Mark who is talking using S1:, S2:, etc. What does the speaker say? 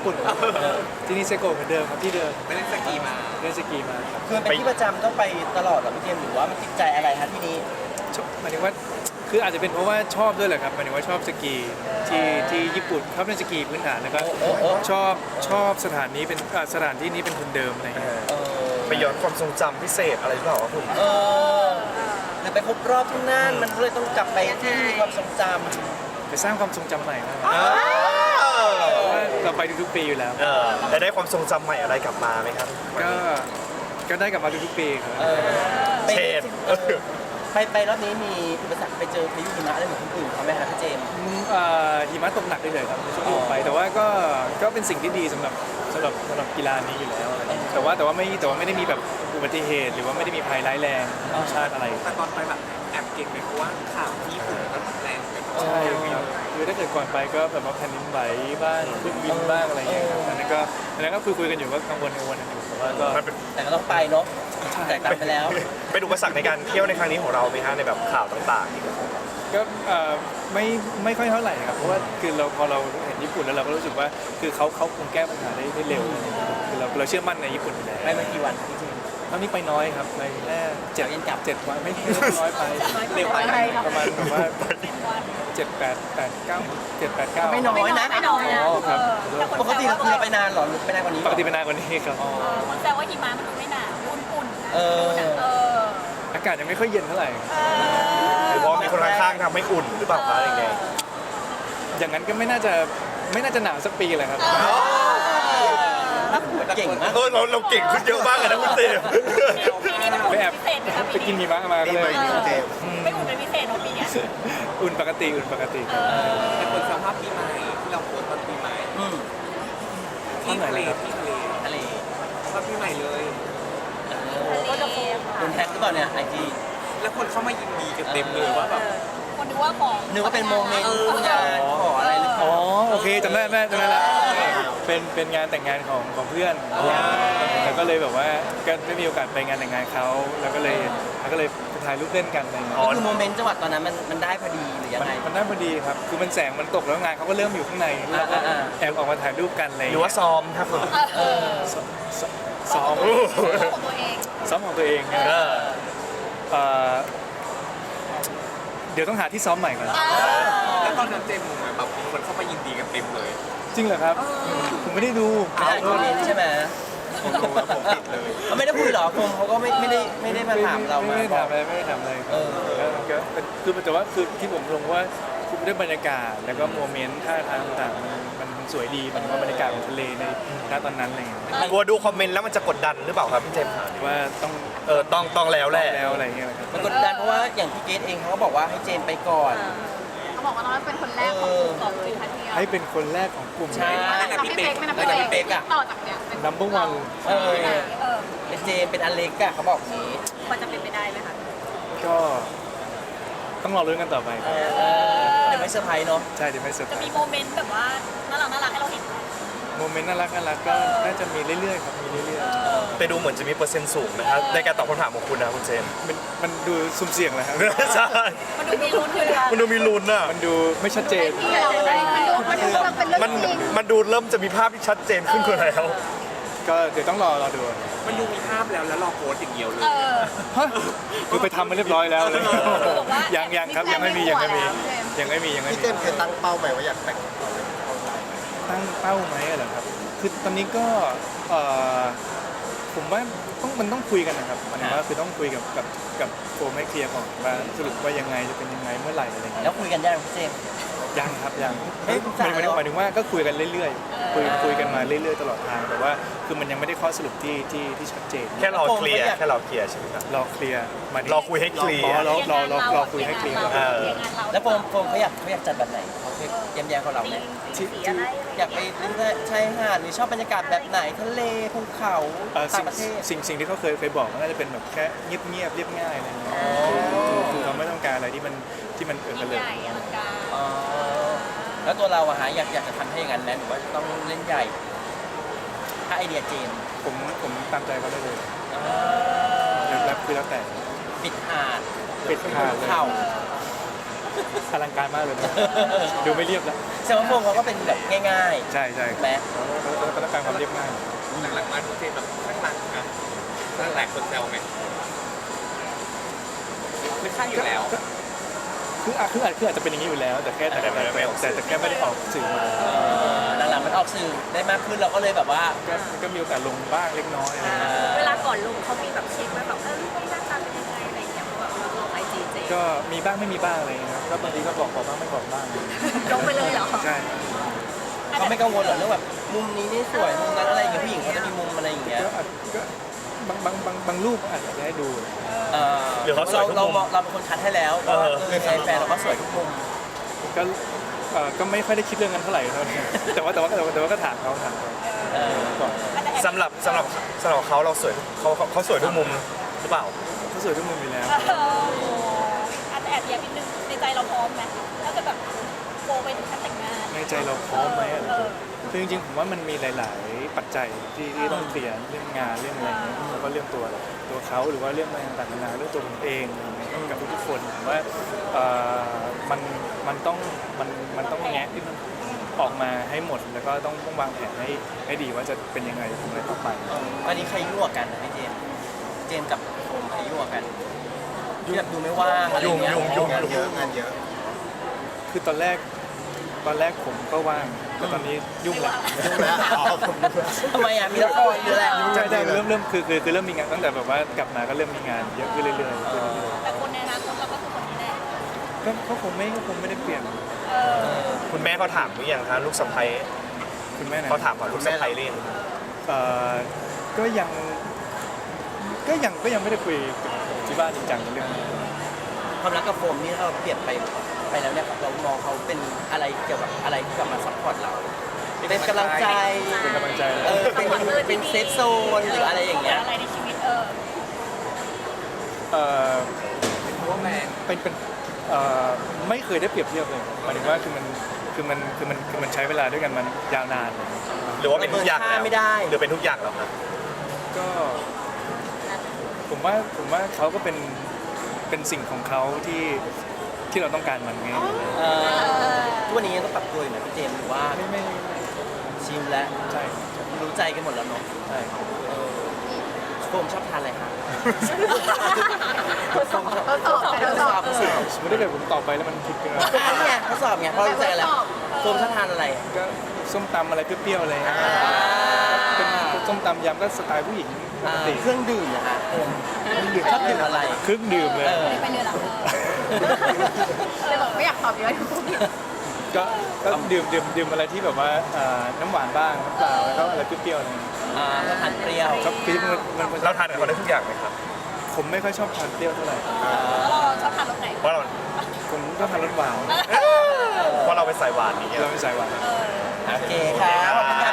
S1: ปุ่นที่นี่เซโกะเหมือนเดิมครับที่เดิม
S2: ไม่เล่นสกีมา
S1: เล่นสกีมาครับ
S3: คือเป็นที่ประจำต้องไปตลอดเหรอพี่เจมส์หรือว่ามันติดใจอะไรฮะที่นี้
S1: หมายถึงว่าคืออาจจะเป็นเพราะว่าชอบด้วยแหละครับหมายถึงว่าชอบสกีที่ญี่ปุ่นชอบเล่นสกีพื้นฐานแล้วก็ชอบสถานนี้เป็นสถานที่นี้เป็นทุนเดิมอะไรอย่างเงี้ย
S4: ไปย้อนความทรงจำพิเศษอะไรหรือเปล่าวะคุณ
S3: หรือไปครบรอบที่นั่นมันก็เลยต้องกลับไปที่มีความทรงจ
S1: ไปสร้างความทรงจำใหม่มาก
S4: เอ
S1: เพราะ
S4: อ
S1: ว่าเราไปทุกๆปีอยู่แล้ว
S4: แล้วได้ความทรงจำใหม่อะไรกลับมาไหมครับ
S1: ก็ได้กลับมาทุกๆปีครับ
S3: ำไป
S4: เชด
S3: ไปรอบนี้มีอุปสรรคไปเจอพายุหิมะอะไรเหมือนคนอื่นเขาไหมครับพี่เจมส์
S1: หิมะตกหนักได้เลยครับในช่วงที่ผมไปแต่ว่าก็เป็นสิ่งที่ดีสำหรับกีฬานี้อยู่แล้วอะไรอย่างเงี้ยแต่ว่าไม่ได้มีแบบอุบัติเหตุหรือว่าไม่ได้มีภัยร้ายแรงธรรมชาติอะไร
S2: แต่ตอนไปแบบแอบเก่งเลยเพราะว่าข่าวที่ญี่ปุ่นก็แรงกัน
S1: ใช่ครับคือถ้าเกิดก่อนไปก็แบบว่าแผ่นดินไหวบ้างเครื่องบินบ้างอะไรอย่างเงี้ยครับอันนั้นก็คุยกันอยู่ก็กังวลกันอยู่แต่ว่าก็
S4: มันเป็น
S3: แต่ก็ต้องไปเนาะแต่กลับไปแล้ว
S4: เป็นอุปสรรคในการเที่ยวในครั้งนี้ของเราไหมฮะในแบบข่าวต่างๆที่
S1: ก็ไม่ค่อยเท่าไหร่ครับเพราะว่าคือพอเราเห็นญี่ปุ่นแล้วเราก็รู้สึกว่าคือเขาคงแก้ปัญหาได้เร็วคือเราเชื่อมั่นในญี่ปุ่นอยู่แล้ว
S3: ไปมากี่วันพี่เจมส์
S1: ตอนนี้ไปน้อยครับไปแค่7 วันไม่น้อยไป
S2: เร็วไป
S1: ประมาณแบบว่า7-8-9
S3: ไม่น้อยนะ
S5: ไม่น้อยนะ
S1: อ๋อครับ
S3: ปกติเราคือไปนานเหรอหรือไปนานกว่านี้
S1: ปกติเป็นนานกว่านี้ครับ
S5: คนแซวว่าหิมะมันดูไม่หนาวอุ่นๆ
S3: เออ
S1: อากาศยังไม่ค่อยเย็นเท่าไหร่
S4: หรือว่ามีคนข้างๆทำให้อุ่นหรือเปล่าคะอะไรอย่างเงี้ย
S1: อย่างนั้นก็ไม่น่าจะหนาวสักปีเลยครับ
S3: เก่งมาก
S4: เราเก่งขึ้นเยอะมากเลยนะคุณเต้
S5: ปีนี้มันอุ่น
S1: ไปแอบ
S5: พิเศษไหมคะ
S1: ไปกินหิมะมาก็เลย
S5: ไม่อุ่นเป็นพิเศษเนาะปีเนี้ย
S1: อุ่นปกติ
S2: แต่คนสภาพปีใหม่ที่เราโพสต์ตอนปีใหม่
S3: อืม
S2: ที่ทะเลที่ทะเล
S3: ทะเล
S2: ภาพปีใหม่เลย
S5: ก็จะโ
S3: โดนแท็กหรือเปล่าเนี่ยไอจี
S2: แล้วคนเข้ามายินดีกันเต็มเลยว่าแบบ
S5: คนดูว่าของ
S3: นึกว่าเป็นโมเมนต์งานขออะไรหรือเป
S1: อ๋
S3: ล่า
S1: อโอเคจำได้ละเป็นงานแต่งงานของเพื่อนแล้วก็เลยแบบว่าก็ได้มีโอกาสไปงานแต่งงานเขาแล้วก็เลยถ่ายรูปเล่นกันอะไรอย่างเงี้ย
S3: ก็คือโมเมนต์จังหวะตอนนั้นมันได้พอดีหรือยังไง
S1: มันได้พอดีครับคือมันแสงมันตกแล้วงานเขาก็เริ่มอยู่ข้างใน
S3: อ่า
S1: แอบออกมาถ่ายรูปกันอะไร
S4: หรือว่าซ้อมครับผม
S1: ซ้อม
S5: ของตัวเอง
S1: ซ้อมของตัวเองเนี่ยเดี๋ยวต้องหาที่ซ้อมใหม่ก่อน
S2: แล้วตอนนั้นเจมส์แบบคนเข้ามายินดีกันเต็มเลย
S1: จริงเหรอครับผมไม่ได้ดู
S3: ไม่ได้โมเมนต์ใช่ไหม
S2: ผมดูแล้วผมติดเลย
S3: เขาไม่ได้คุยหรอคงเขาก็ไม่ได้มาถามเรามา
S1: ไม่ได้
S3: บอ
S1: ถาก มอะไรไม่ได้ถามอะไรก็คือแต่ว่าคือที่ผมลงว่าคือด้วยบรรยากาศแล้วก็โมเมนต์ท่าทางต่างๆมันสวยดีมันว่าบรรยากาศของทะเลในณตอนนั้นอะไรเงี้ย
S4: กลัวดูคอมเมนต์แล้วมันจะกดดันหรือเปล่าครับพี่เจมส์
S1: ว่าต้อง
S4: ต้องแล้วแหละ
S1: แล้วอะไรเงี้ยนะครับ
S3: มันกดดันเพราะว่าอย่างพี่เกดเองเขาก็บอกว่าให้เจมไปก่อน
S5: เขาบอกว่าน้องเป็นคนแรกของกลุ่มของเลยทันที
S1: ให้เป็นคนแรกของกลุ่ม
S3: ใช่
S5: ไม่นับพี่เป๊กไม่นับพี่เป๊กต่อจากเนี้ย
S1: นัมเบอร์วัน
S3: เป็นเจมเป็นอเล็กอะเขาบอกอย่างนี้
S5: พอจะเป็นไปได้ไหมคะ
S1: ก็ต้องรอรุ้นกันต่อไปครับ
S3: เดี๋ยวไม่เซอร์ไพรส์เนาะ
S1: ใช่เดี๋ยวไม่เซอร์ไพ
S5: จะ
S1: ร
S5: มี
S1: ส์
S5: โมเมนต์แบบว่าน่ารักให้เราเห็น
S1: โมเมนต์น่ารักก็น่าจะมีเรื่อยๆครับมีเรื่อย
S4: แต่ดูเหมือนจะมีเปอร์เซ็นต์สูงนะครับในการตอบคำถามของคุณนะคุณเจมส์
S1: ๆมันดูสุ่มเสี่ยงเลยครับ
S4: ใช่
S5: มันดูมีลุ้นเลยอะ
S4: มันดูมีลุ้นอ่ะ
S1: มันดูไม่ชัดเจน
S5: ที่เราได้มันดูเป็นเรื่อง
S4: มัน
S5: จริง
S4: มันดูเริ่มจะมีภาพที่ชัดเจนขึ้นกว่าแล้ว
S1: ก็เดี๋ยวต้องรอดู
S2: มันดูมีภาพแล้วรอโพสต์อย่างเดียวเลย
S1: ฮะคือไปทำมาเรียบร้อยแล้วเลยยังครับยังไม่มี
S6: พี่เจมส์เคยตั้งเป้าไปว่าอยากแต่ง
S1: ตั้งเป้าไหมเหรอครับคือตอนนี้ก็ผมว่ามันต้องคุยกันนะครับหมายถึงว่าคือต้องคุยกับโฟมให้เคลียร์ก่อนว่าสรุปว่ายังไงจะเป็นยังไงเมื่อไหร่อะไรอย่างเงี้ย
S3: แล้วคุยกันได้ไหมพี่เจม
S1: ยังครับยัง
S3: เฮ้ย
S1: หมายถึงว่าก็คุยกันเรื่อยๆคุยกันมาเรื่อยๆตลอดทางแต่ว่าคือมันยังไม่ได้ข้อสรุปที่ชัดเจน
S4: แค่รอเคลียร์ใช่ไหมครับ
S1: รอเคลียร์มาร
S4: อคุยให้เคลียร์
S1: รอคุยให้เคลียร์
S3: แล้วโฟมเขาอยากจัดแบบไหนเขาแย้มๆกับเราไหม
S1: ที่
S3: อยากไปชายหาดหรือชอบบรรยากาศแบบไหนทะเลภูเขาต่างประเทศ
S1: สิ่งที่เขาเคยบอกก็น่าจะเป็นแบบแค่เงียบเรียบง่ายอะไรเงี้ยคือเขาไม่ต้องการอะไรที่มันกันเลย
S5: ใหญ่อลังการ
S3: แล้วตัวเราอะฮะอยากจะทำให้อย่างนั้นไหมหรือว่าต้องเล่นใหญ่ ถ้าไอเดียเจม
S1: ผมตามใจเขาได้เลยแล้วคือแล้วแต่
S3: ปิดหาด
S1: ปิดหาดเลย
S3: เข่า
S1: ผอลังการมากเลยนะดูไม่เรียบแล้ว
S3: แสดงว่าโฟมเขาก็เป็นแบบง่าย
S1: ใช่ใช่
S3: ๆแม้
S1: ก็ต้องการความเรียบง่าย
S2: หลังๆมาทุกเจนแบบข้างหลังนะข้างหลังคนแซวไหมหรือข้างอยู่แล้ว
S1: คืออาจจะเป็นอย่างนี้อยู่แล้ว แต่แค่แต่แค่ไม่ได้ออกสื่อมา
S3: หลังๆมันออกสื่อได้มากขึ้นเราก็เลยแบบว่า
S1: ก็มีโอกาสลงบ้างเล็กน้อยอะไรอย่างเงี้ย
S5: เวลาก่อนลงเขามีแบบเช็คไหมแบบรูปนี้หน้าตาเป็นยังไงอะไรอย่างเงี้ยเพราะแบบเราลงไอจีเจ
S1: ก็มีบ้างไม่มีบ้างอะไรอย่างเงี้ยก็บางทีก็บอกบ้างไม่บอกบ้าง
S5: ลงไปเลยเหรอ
S1: ใช่
S3: เขาไม่กังวลหรอกเรื่องแบบมุมนี้นี่สวยมุมนั้นอะไรอย่างเงี้ยผู้หญิงเขาจะมีมุมอะไรอย่างเงี้ย
S1: ก็บางรูปอาจจะให้ดู
S4: หรือเขาสวยทุกมุม
S3: เราเป็นคนคัดให้แล้วว่าแฟนเราก็สวยทุกมุม
S1: ก็ไม่ค่อยได้คิดเรื่องนั้นเท่าไหร่เท่านี้แต่ว่าก็ถามเขาก่อน
S4: สำหรับเขาเราสวยเขาสวยทุกมุมหรือเปล่า
S1: เขาสวยทุกมุมอยู่แล้ว
S5: อาจจะแอบแย้มนิดนึงในใจเราพร้อมไหมถ้าจะแบบโกไปถึงขั้นแต่งงาน
S1: ในใจเราพร้อมไหมอะคือจริงๆผมว่ามันมีหลาย ๆ ปัจจัยที่ต้องเคลียร์เรื่องงานเรื่องอะไรเงี้ยแล้วก็เรื่องตัวเขาหรือว่าเรื่องอะไรต่างๆนานาเรื่องตัวผมเองกับทุกๆคนผมว่ามันต้องแงะที่มันออกมาให้หมดแล้วก็ต้องวางแผนให้ดีว่าจะเป็นยังไงจะทำอะไรต่อไป
S3: วันนี้ใครยั่วกันนะพี่เจมส์กับโฟมใครยั่วกันที่แบบดูไม่ว่างอะไรเงี้ย
S6: งานเยอะงานเยอะ
S1: คือตอนแรกผมก็ว่างแต่ตอนนี้ยุ่งละ
S6: ยุ่งแล้วอ๋อผมนึกว่า
S3: ทำไมอ่ะมีละครหรืออะไร
S1: ใช่เริ่มคือเริ่มมีงานตั้งแต่แบบว่ากลับมาก็เริ่มมีงานเยอะขึ้นเรื่อยๆ
S5: แต่คนในอนาคตเราก็คือคนนี้แน่
S1: ก็คงไม่ได้เปลี่ยน
S4: คุณแม่เขาถามหรือยังคะลูกสะใภ้
S1: คุณแม่นะ
S4: เขาถามว่าลูกสะใภ้เล่น
S1: เอ่อก็ยังไม่ได้คุยกับที่บ้านจริงจังในเรื่องนี้
S3: ความรักกับโฟมนี่ถ้าเราเปลี่ยนไปแล้วเนี่ยเรามองเขาเป็นอะไรเกี่ยวกับอะไรที่กลับมาซัพพอร์ตเราเป็นกำลังใจ
S1: เป็นกำลังใจ
S3: เป็นเซฟโซนหรืออะไรอย่างเงี้ย
S5: อะไรในชีวิต
S1: เป็นไม่เคยได้เปรียบเทียบเลยหมายถึงว่าคือมันใช้เวลาด้วยกันมันยาวนาน
S4: หรือว่าเป็นทุกอย่างแล้ว
S3: ไม่ได้
S4: หรือเป็นทุกอย่างแล้วครับ
S1: ก็ผมว่าเขาก็เป็นสิ่งของเขาที่เราต้องการมันไง
S3: ทุกวันนี้ยังต้องปรับตัวอยู่นะพี่เจมส์หรือว่า
S1: ไม่
S3: ชิมแล้ว
S1: ใช่
S3: รู้ใจกันหมดแล้วเนาะ
S1: ใช่
S3: โฟมชอบทานอะไรคะ
S5: ทดสอบ
S1: สมมติถ้าเกิดผมตอบไปแล้วมันผิดกัน
S3: นี่ไงทดสอบไงเพราะรู้ใจกันแล้วโฟมชอบทานอะไร
S1: ก็ส้มตำอะไรเปรี้ยวๆอะไรเงี้ยเป็นส้มตำยำก็สไตล์ผู้หญิงปกติ
S3: เครื่องดื่มนะคะโฟมชอบดื่มอะไร
S1: เครื่องดื่มเลย
S5: ไปเลยเหรอเลยบอกไม่อยากตอบเยอะทุกคน
S1: ก็ดื่มอะไรที่แบบว่าน้ำหวานบ้างน้ำเปล่าแล้วก็อะไรเปรี้ยวๆอะไรเงี้ย
S3: ชอบทานเปรี้ยว
S1: ครับคือมัน
S4: เราทานกับเขาได้ทุกอย่างไหมครับ
S1: ผมไม่ค่อยชอบทานเปรี้ยวเท่าไหร่
S5: แล้วเราชอบทานรสไหน
S4: เพราะเรา
S1: ผมก็ทานรสหวาน
S4: เพราะเราเป็นสายหวานนี่ไง
S1: เราไม่ใส่หวาน
S3: โอเคค่ะขอบคุณค่ะ